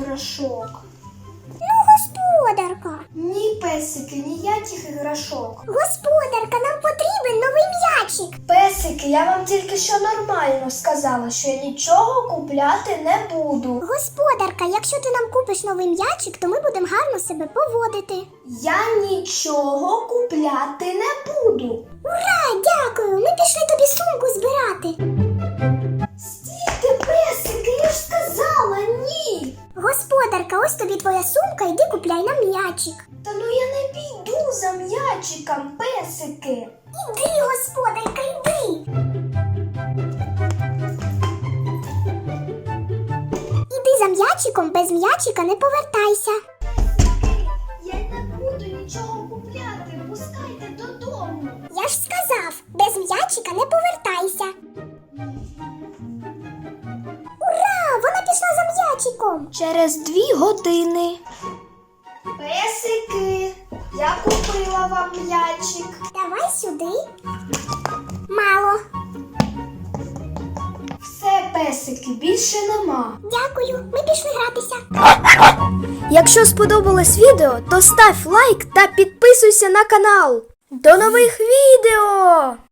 іграшок. Ну, господарка. Ні, песики, ніяких іграшок. Господарка, нам потрібен новий м'ячик. Песики, я вам тільки що нормально сказала, що я нічого купляти не буду. Господарка, якщо ти нам купиш новий м'ячик, то ми будемо гарно себе поводити. Я нічого купляти не буду. Ура, дякую! Ми пішли тобі сумку збирати. Стійте, песики, я ж сказала, ні. Господарка, ось тобі твоя сумка, йди купляй нам м'ячик. Та ну я не піду за м'ячиком, песики. Іди, господарка, іди. Іди за м'ячиком, без м'ячика не повертайся. Я не буду нічого купляти, пускайте додому. Я ж сказав, без м'ячика не повертайся. Ура! Вона пішла за м'ячиком. Через 2 години. Песики, я купила вам м'ячик. Давай сюди. Мало. Все, песики, більше нема. Дякую, ми пішли гратися. Якщо сподобалось відео, то став лайк та підписуйся на канал. До нових відео!